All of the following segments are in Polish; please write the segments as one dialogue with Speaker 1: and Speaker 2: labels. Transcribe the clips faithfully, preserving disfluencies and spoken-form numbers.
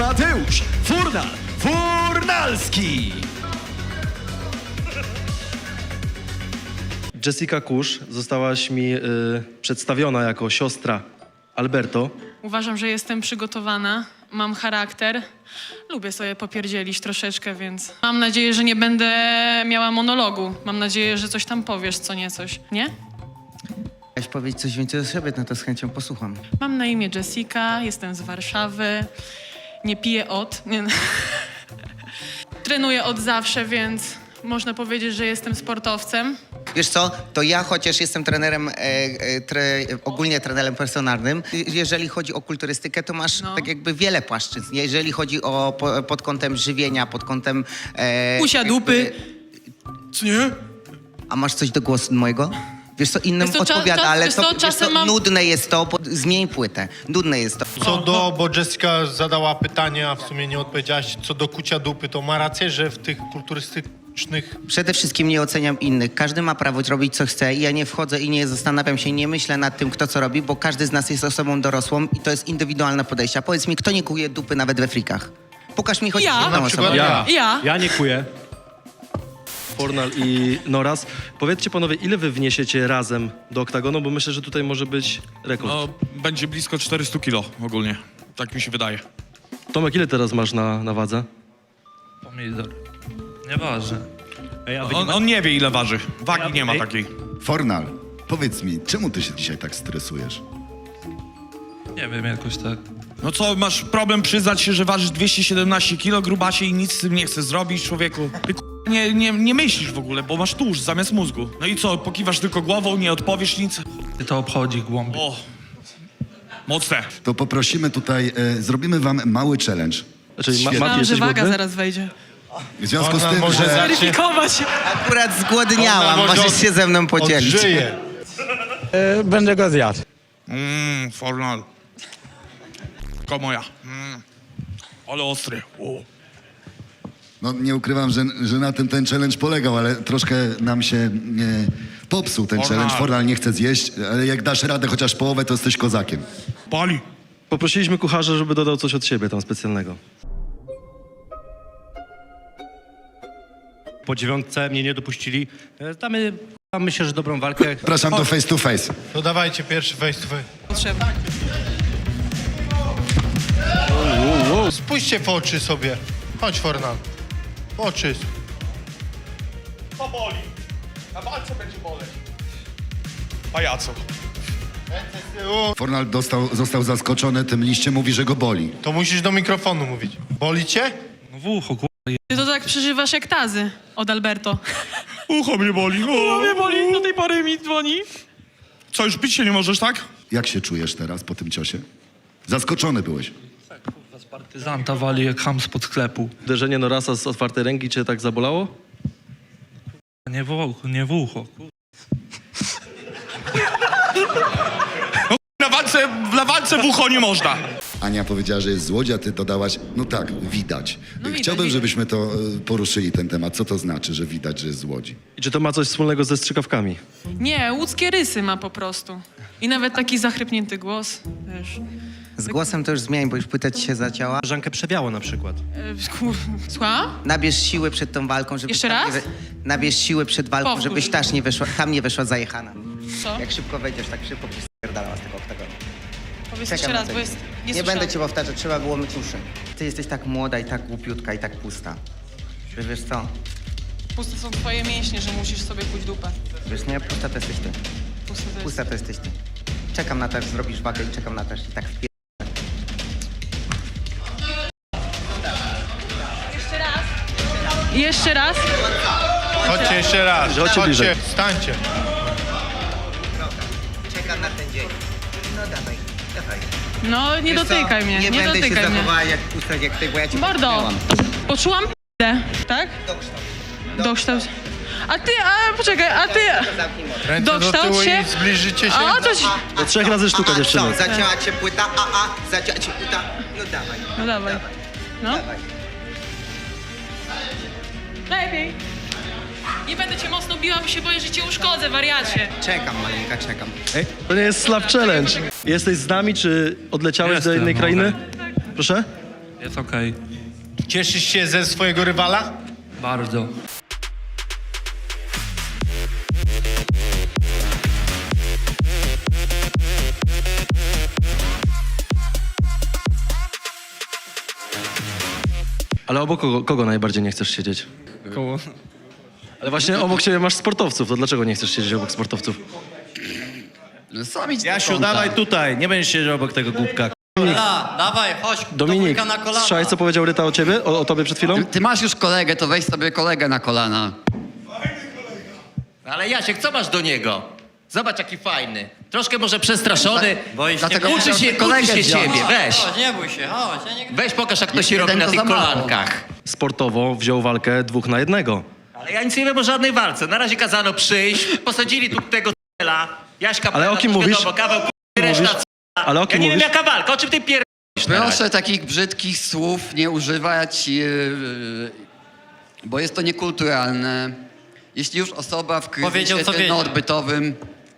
Speaker 1: Mateusz Furnal Furnalski. Jessica Kusz, zostałaś mi y, przedstawiona jako siostra Alberto.
Speaker 2: Uważam, że jestem przygotowana, mam charakter, lubię sobie popierdzielić troszeczkę, więc mam nadzieję, że nie będę miała monologu. Mam nadzieję, że coś tam powiesz, co nie coś, nie?
Speaker 3: Chciałeś powiedzieć coś więcej o sobie, no to z chęcią posłucham.
Speaker 2: Mam na imię Jessica, jestem z Warszawy, nie piję od, nie, trenuję od zawsze, więc można powiedzieć, że jestem sportowcem.
Speaker 3: Wiesz co, to ja chociaż jestem trenerem, e, e, tre, ogólnie trenerem personalnym, jeżeli chodzi o kulturystykę, to masz
Speaker 2: No.
Speaker 3: tak jakby wiele płaszczyzn. Jeżeli chodzi o po, pod kątem żywienia, pod kątem... E,
Speaker 2: Usia dupy.
Speaker 3: Co nie? A masz coś do głosu mojego? Wiesz co, innym
Speaker 2: Wiesz co, cza-
Speaker 3: odpowiada,
Speaker 2: czas-
Speaker 3: ale
Speaker 2: wiesz
Speaker 3: to,
Speaker 2: co,
Speaker 3: wiesz
Speaker 2: czasem
Speaker 3: co,
Speaker 2: mam-
Speaker 3: nudne jest to, bo zmień płytę. Nudne jest to.
Speaker 4: Co do, bo Jessica zadała pytanie, a w sumie nie odpowiedziałaś, co do kucia dupy, to ma rację, że w tych kulturystycznych...
Speaker 3: Przede wszystkim nie oceniam innych. Każdy ma prawo robić, co chce i ja nie wchodzę i nie zastanawiam się, nie myślę nad tym, kto co robi, bo każdy z nas jest osobą dorosłą i to jest indywidualne podejście. A powiedz mi, kto nie kuje dupy nawet we frikach? Pokaż mi choć
Speaker 2: Ja.
Speaker 3: jedną
Speaker 4: Na przykład
Speaker 3: osobę.
Speaker 4: ja.
Speaker 2: Ja.
Speaker 1: Ja nie kuję. Furnal i Noras. Powiedzcie panowie, ile wy wniesiecie razem do oktagonu, bo myślę, że tutaj może być rekord.
Speaker 5: No, będzie blisko czterysta kilo ogólnie. Tak mi się wydaje.
Speaker 1: Tomek, ile teraz masz na, na wadze?
Speaker 6: Pomidor. Nieważne. Ej, a wy nie
Speaker 5: On,
Speaker 6: ma...
Speaker 5: on nie wie, ile waży. Wagi
Speaker 6: Ja-
Speaker 5: nie ma
Speaker 6: ej.
Speaker 5: takiej.
Speaker 7: Fornal, powiedz mi, czemu ty się dzisiaj tak stresujesz?
Speaker 6: Nie wiem, jakoś tak.
Speaker 5: No co, masz problem przyznać się, że ważysz dwieście siedemnaście kilo, grubasie i nic z tym nie chcesz zrobić, człowieku? Ty k***a, nie, nie, nie myślisz w ogóle, bo masz tłuszcz zamiast mózgu. No i co, pokiwasz tylko głową, nie odpowiesz nic?
Speaker 6: Ty to obchodzi głębiej.
Speaker 5: O, mocne.
Speaker 7: To poprosimy tutaj, e, zrobimy wam mały challenge.
Speaker 1: Znaczy, ma,
Speaker 7: Świetnie.
Speaker 1: Mati,
Speaker 2: Myślałam, że
Speaker 1: jesteś
Speaker 2: waga
Speaker 1: głodny?
Speaker 2: zaraz wejdzie.
Speaker 7: W związku z
Speaker 4: Ona
Speaker 7: tym,
Speaker 4: może
Speaker 7: że...
Speaker 4: zacznie-
Speaker 2: Weryfikować.
Speaker 3: Akurat zgłodniałam,
Speaker 4: Ona może
Speaker 3: możesz się ze mną podzielić.
Speaker 4: Odżyje.
Speaker 8: Będę go zjadł.
Speaker 5: Mmm, Fornal. Ko moja. Mm. Ale ostry. O.
Speaker 7: No nie ukrywam, że, że na tym ten challenge polegał, ale troszkę nam się e, popsuł ten
Speaker 5: Fornal.
Speaker 7: challenge. Fornal nie chce zjeść, ale jak dasz radę chociaż połowę, to jesteś kozakiem.
Speaker 5: Pali.
Speaker 1: Poprosiliśmy kucharza, żeby dodał coś od siebie tam specjalnego.
Speaker 9: Po dziewiątce mnie nie dopuścili. E, Damy, myślę, że dobrą walkę.
Speaker 7: Zapraszam do face to face.
Speaker 4: To dawajcie pierwszy face to face.
Speaker 2: Potrzeba.
Speaker 4: Spójrzcie w oczy sobie. Chodź, Fornal. W oczy.
Speaker 5: To boli. Na walce będzie boleć. Pajaco.
Speaker 7: Fornal dostał, został zaskoczony tym liściem, mówi, że go boli.
Speaker 4: To musisz do mikrofonu mówić. Boli cię?
Speaker 6: No w ucho, kurwa.
Speaker 2: Ty to tak przeżywasz jak tazy od Alberto.
Speaker 5: Ucho mnie boli. O.
Speaker 2: Mnie boli, do tej pory mi dzwoni.
Speaker 5: Co, już pić się nie możesz, tak?
Speaker 7: Jak się czujesz teraz po tym ciosie? Zaskoczony byłeś.
Speaker 6: Z partyzanta wali jak ham spod sklepu.
Speaker 1: Uderzenie Norasa z otwartej ręki cię tak zabolało?
Speaker 6: Nie w ucho, nie w ucho. Kurwa.
Speaker 5: Na walce, na walce w ucho nie można.
Speaker 7: Ania powiedziała, że jest złodzia, ty dodałaś, no tak, widać.
Speaker 2: No widać,
Speaker 7: Chciałbym,
Speaker 2: widać.
Speaker 7: żebyśmy to e, poruszyli, ten temat. Co to znaczy, że widać, że jest złodzi?
Speaker 1: I czy to ma coś wspólnego ze strzykawkami?
Speaker 2: Nie, łódzkie rysy ma po prostu. I nawet taki zachrypnięty głos, wiesz.
Speaker 3: Z głosem to już zmień, bo już płyta ci się zacięła.
Speaker 9: Żankę przebiało na przykład.
Speaker 2: E, kur... Słucham?
Speaker 3: Nabierz siły przed tą walką, żebyś
Speaker 2: Jeszcze
Speaker 3: tam
Speaker 2: raz?
Speaker 3: Nie wy... Nabierz siły przed walką,
Speaker 2: Powtórz.
Speaker 3: żebyś też nie wyszła, tam nie wyszła zajechana.
Speaker 2: Co?
Speaker 3: Jak szybko wejdziesz, tak szybko byś spierdalała z tego oktagonu.
Speaker 2: Powiedz
Speaker 3: Czekam
Speaker 2: jeszcze
Speaker 3: na
Speaker 2: raz,
Speaker 3: to.
Speaker 2: bo jest...
Speaker 3: Nie,
Speaker 2: słyszałam.
Speaker 3: będę cię powtarzać, trzeba było myć uszy. Ty jesteś tak młoda i tak głupiutka i tak pusta. Że wiesz co?
Speaker 2: Puste są twoje mięśnie, że musisz sobie pójść dupę.
Speaker 3: Wiesz nie, pusta to jesteś ty.
Speaker 2: Puste to jest...
Speaker 3: Pusta to jesteś ty. Czekam na to, aż zrobisz wagę i czekam na to, aż i tak wpier...
Speaker 2: Jeszcze raz?
Speaker 4: Chodźcie jeszcze raz.
Speaker 1: Chodźcie
Speaker 4: Chodźcie,
Speaker 1: bliżej.
Speaker 4: stańcie.
Speaker 3: Czekam na ten dzień. No dawaj, dawaj.
Speaker 2: No, nie
Speaker 3: Wiesz co?
Speaker 2: dotykaj mnie, nie,
Speaker 3: Nie będę się
Speaker 2: dotykaj mnie.
Speaker 3: zachowała jak pusta jak ty, bo ja cię
Speaker 2: Mordo,
Speaker 3: popchnęłam.
Speaker 2: poczułam p***ę, tak?
Speaker 3: Dokształt.
Speaker 2: Dokształt. A ty, a poczekaj, a ty...
Speaker 3: Zamknij mordę.
Speaker 4: Ręce do
Speaker 2: Dokształt
Speaker 4: tyłu
Speaker 2: się?
Speaker 4: i zbliżycie się.
Speaker 2: A, to się...
Speaker 1: Do trzech razy sztuka,
Speaker 3: a, a,
Speaker 1: dziewczyny.
Speaker 3: co, zacięła cię płyta, a, a, zacięła cię płyta. No dawaj,
Speaker 2: No dawaj. No,
Speaker 3: dawaj.
Speaker 2: lepiej. Nie będę cię mocno biła, bo się boję, że cię uszkodzę, wariacie.
Speaker 3: Czekam, maleńka, czekam.
Speaker 1: To nie jest slap challenge. Jesteś z nami, czy odleciałeś
Speaker 6: Jestem,
Speaker 1: do innej
Speaker 6: no,
Speaker 1: krainy? Proszę?
Speaker 6: Jest okej.
Speaker 4: Cieszysz się ze swojego rywala?
Speaker 6: Bardzo.
Speaker 1: Ale obok kogo, kogo najbardziej nie chcesz siedzieć?
Speaker 9: Koło.
Speaker 1: Ale właśnie obok siebie masz sportowców, to dlaczego nie chcesz siedzieć obok sportowców?
Speaker 3: Sam idź do
Speaker 9: Jasiu,
Speaker 3: kąta.
Speaker 9: dawaj tutaj, nie będziesz siedział obok tego głupka.
Speaker 10: Dobra, dawaj, chodź,
Speaker 1: Dominik,
Speaker 10: do wujka na kolana.
Speaker 1: słyszałeś, co powiedział Ryta o ciebie, o, o tobie przed chwilą?
Speaker 10: Ty, ty masz już kolegę, to weź sobie kolegę na kolana.
Speaker 11: Ale Jasiek, co masz do niego? Zobacz, jaki fajny. Troszkę może przestraszony.
Speaker 10: Boisz
Speaker 11: Dlatego
Speaker 10: się,
Speaker 11: uczy
Speaker 10: nie?
Speaker 11: się, uczy
Speaker 10: Kolegę
Speaker 11: się
Speaker 10: wziąć.
Speaker 11: ciebie, weź.
Speaker 10: Chodź, nie bój się, chodź. Ja nie...
Speaker 11: Weź pokaż, jak to
Speaker 10: Jest
Speaker 11: się robi
Speaker 10: jeden,
Speaker 11: na
Speaker 10: to
Speaker 11: tych
Speaker 10: za mało.
Speaker 11: kolankach.
Speaker 1: Sportowo wziął walkę dwóch na jednego.
Speaker 11: Ale ja nic nie wiem o żadnej walce. Na razie kazano przyjść, posadzili tu tego c***la. Jaśka,
Speaker 1: Ale o kim
Speaker 11: to
Speaker 1: mówisz?
Speaker 11: Wiadomo, kawał k***y, reszta
Speaker 1: mówisz?
Speaker 11: c***la.
Speaker 1: Ale o kim
Speaker 11: Ja nie
Speaker 1: mówisz?
Speaker 11: wiem, jaka walka, o czym ty pier...
Speaker 10: Proszę takich brzydkich słów nie używać, yy, bo jest to niekulturalne. Jeśli już osoba w
Speaker 11: Powiedział,
Speaker 10: kryzysie
Speaker 11: co wiedział.
Speaker 10: odbytowym...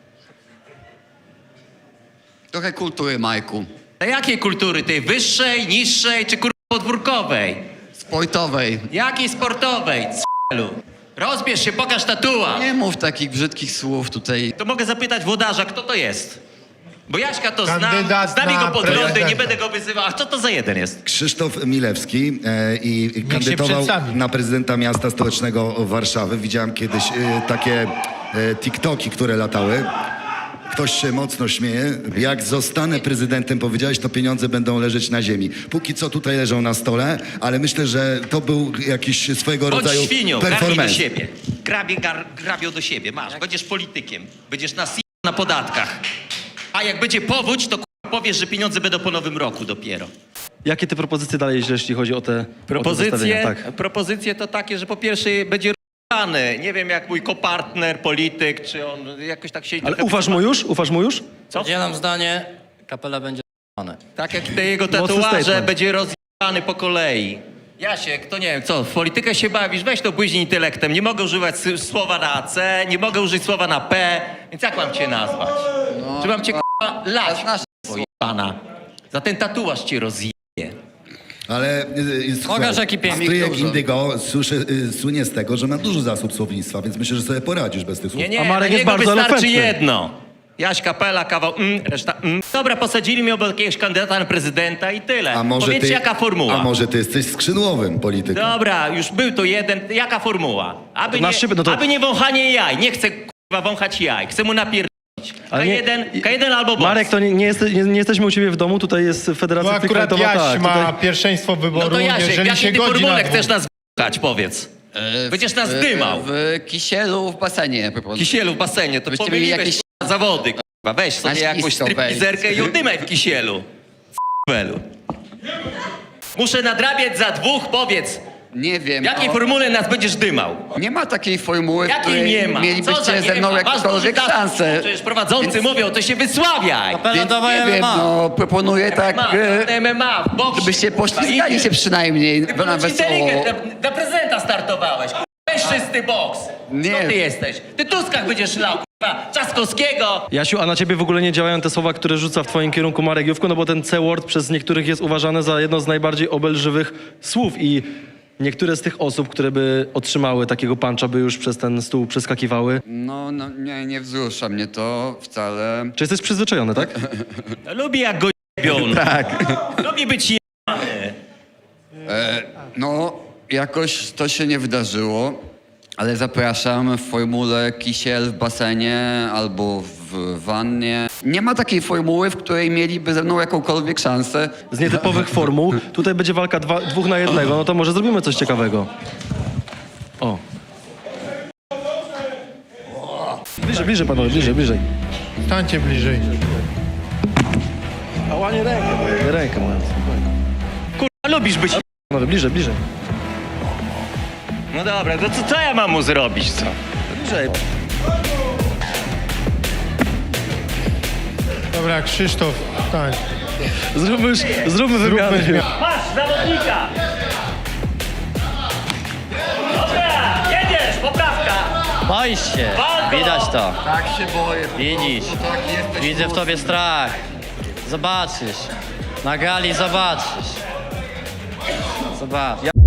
Speaker 10: Trochę kultury, Majku.
Speaker 11: Na jakiej kultury? Tej wyższej, niższej czy kurwa podwórkowej?
Speaker 10: Sportowej.
Speaker 11: Jakiej sportowej? C***lu. Rozbierz się, pokaż tatuaż.
Speaker 10: Nie mów takich brzydkich słów tutaj.
Speaker 11: To mogę zapytać włodarza, kto to jest? Bo Jaśka to znam,
Speaker 4: Kandydat
Speaker 11: znam
Speaker 4: na
Speaker 11: jego poglądy,
Speaker 4: prezydenta.
Speaker 11: nie będę go wyzywał. A co to za jeden jest?
Speaker 7: Krzysztof Milewski e, i kandydował
Speaker 4: przedstawi.
Speaker 7: na prezydenta miasta stołecznego Warszawy. Widziałem kiedyś e, takie e, TikToki, które latały. Ktoś się mocno śmieje. Jak zostanę prezydentem, powiedziałeś, to pieniądze będą leżeć na ziemi. Póki co tutaj leżą na stole, ale myślę, że to był jakiś swojego
Speaker 11: Bądź
Speaker 7: rodzaju
Speaker 11: świnią, garnij do
Speaker 7: performance.
Speaker 11: siebie. Grabie, gar, grabią do siebie, masz. Będziesz politykiem, będziesz na si- na podatkach. A jak będzie powódź, to k***a, powiesz, że pieniądze będą po nowym roku dopiero.
Speaker 1: Jakie ty propozycje dalej, jeśli chodzi o te o te
Speaker 11: Propozycje,
Speaker 1: zestawienia? Tak.
Speaker 11: propozycje to takie, że po pierwsze będzie r***any. Nie wiem, jak mój kopartner, polityk, czy on jakoś tak siedzi...
Speaker 1: Ale
Speaker 11: trochę-
Speaker 1: ufasz mu już? Ufasz mu już?
Speaker 11: Co?
Speaker 10: Dzielam zdanie, kapela będzie r***ane.
Speaker 11: Tak jak te jego
Speaker 1: Mocny
Speaker 11: tatuaże,
Speaker 1: statement.
Speaker 11: będzie rozjebany po kolei. Jasiek, to nie wiem, co, w politykę się bawisz? Weź to błyźnij intelektem. Nie mogę używać s- słowa na C, nie mogę użyć słowa na P, więc jak mam cię nazwać? Czy mam cię k***a lać,
Speaker 10: znasz
Speaker 11: pana? Za ten tatuaż cię rozjebie.
Speaker 7: Ale y, y,
Speaker 10: Pokaż, jaki piękny.
Speaker 7: Stryjek
Speaker 10: Dużo.
Speaker 7: Indygo słyszy, y, słynie z tego, że ma dużo zasób słownictwa, więc myślę, że sobie poradzisz bez tych słów.
Speaker 11: Nie, nie,
Speaker 1: A Marek
Speaker 11: na
Speaker 1: jest
Speaker 11: niego
Speaker 1: bardzo
Speaker 11: wystarczy
Speaker 1: elokwentny.
Speaker 11: jedno. Jaś Kapela, kawał mm, reszta mm. Dobra, posadzili mnie obok jakiegoś kandydata na prezydenta i tyle.
Speaker 7: A może
Speaker 11: Powiedzcie,
Speaker 7: ty,
Speaker 11: jaka formuła.
Speaker 7: A może ty jesteś skrzydłowym politykiem?
Speaker 11: Dobra, już był to jeden. Jaka formuła? Aby,
Speaker 1: To na
Speaker 11: nie,
Speaker 1: szybę, no to-
Speaker 11: aby nie wąchanie jaj. Nie chcę kurwa wąchać jaj. Chcę mu napierdolić.
Speaker 1: Ale
Speaker 11: K
Speaker 1: nie-
Speaker 11: jeden, K jeden albo boss.
Speaker 1: Marek, to nie, nie, jeste, nie, nie jesteśmy u ciebie w domu, tutaj jest
Speaker 4: Bo
Speaker 1: Federacja
Speaker 4: akurat
Speaker 1: Freakfightowa.
Speaker 4: Jaś
Speaker 1: Tak,
Speaker 4: ma
Speaker 1: tutaj...
Speaker 4: pierwszeństwo wyboru,
Speaker 11: No to Jasiek, w
Speaker 4: jeżeli się
Speaker 11: jakiej ty
Speaker 4: godzi na
Speaker 11: formule
Speaker 4: dwóch.
Speaker 11: chcesz nas wąchać, powiedz. Będziesz nas dymał.
Speaker 10: W, w kisielu w basenie. proponuję.
Speaker 11: Kisielu w basenie, to
Speaker 10: Byście mieli
Speaker 11: pomyliłeś
Speaker 10: jakieś-
Speaker 11: jakieś... zawody. Kurwa. Weź sobie
Speaker 10: Na
Speaker 11: jakąś
Speaker 10: ślisko
Speaker 11: stripteaserkę i udymaj w kisielu. Welu. Muszę nadrabiać za dwóch, powiedz.
Speaker 10: Nie wiem.
Speaker 11: W jakiej
Speaker 10: no,
Speaker 11: formule nas będziesz dymał?
Speaker 10: nie ma takiej formuły, w
Speaker 11: Jakiej
Speaker 10: której
Speaker 11: nie ma? Co za
Speaker 10: mielibyście
Speaker 11: nie
Speaker 10: ze mną
Speaker 11: ma? Masz
Speaker 10: jakąkolwiek
Speaker 11: duży
Speaker 10: szansę.
Speaker 11: Przecież prowadzący
Speaker 10: Więc-
Speaker 11: mówią, to się wysławiaj.
Speaker 10: Więc nie wiem, no proponuję tak,
Speaker 11: Ma,
Speaker 10: e,
Speaker 11: M M A, w boksie.
Speaker 10: żebyście poślizgali się przynajmniej na
Speaker 11: Ponoć
Speaker 10: wesoło.
Speaker 11: inteligent, na, na prezydenta startowałeś. Kurwa. Weź czysty boks.
Speaker 10: Nie.
Speaker 11: Co ty jesteś? Ty Tuskach będziesz lał, kurwa. Trzaskowskiego.
Speaker 1: Jasiu, a na ciebie w ogóle nie działają te słowa, które rzuca w twoim kierunku Marek Jówko, no bo ten C-word przez niektórych jest uważany za jedno z najbardziej obelżywych słów i niektóre z tych osób, które by otrzymały takiego puncha, by już przez ten stół przeskakiwały.
Speaker 10: No, no nie, nie wzrusza mnie to wcale.
Speaker 1: Czy jesteś przyzwyczajony, tak?
Speaker 11: Lubi jak go jebią.
Speaker 1: Tak.
Speaker 11: Lubi być jebany.
Speaker 10: No, jakoś to się nie wydarzyło, ale zapraszam w formule kisiel w basenie albo w wannie. Nie ma takiej formuły, w której mieliby ze mną jakąkolwiek szansę.
Speaker 1: Z nietypowych formuł. Tutaj będzie walka dwa, dwóch na jednego, no to może zrobimy coś ciekawego. O. Bliżej, bliżej panowie, bliżej, bliżej.
Speaker 4: Stańcie bliżej.
Speaker 1: Ała, nie rękę, nie rękę moją.
Speaker 11: Kurwa, lubisz być...
Speaker 1: Panowie, bliżej, bliżej.
Speaker 11: No dobra, to co, co ja mam mu zrobić, co?
Speaker 1: Bliżej.
Speaker 4: Dobra, Krzysztof, stań.
Speaker 1: Zróbmy już, zróbmy wymianę.
Speaker 11: Masz zawodnika! Dobra, jedziesz, poprawka!
Speaker 8: Boisz się,
Speaker 11: Walko!
Speaker 8: widać to.
Speaker 10: Tak się boję.
Speaker 8: Widzisz,
Speaker 10: Tak jesteś
Speaker 8: widzę w tobie strach. Zobaczysz, na gali zobaczysz.
Speaker 9: dwa.
Speaker 1: Ja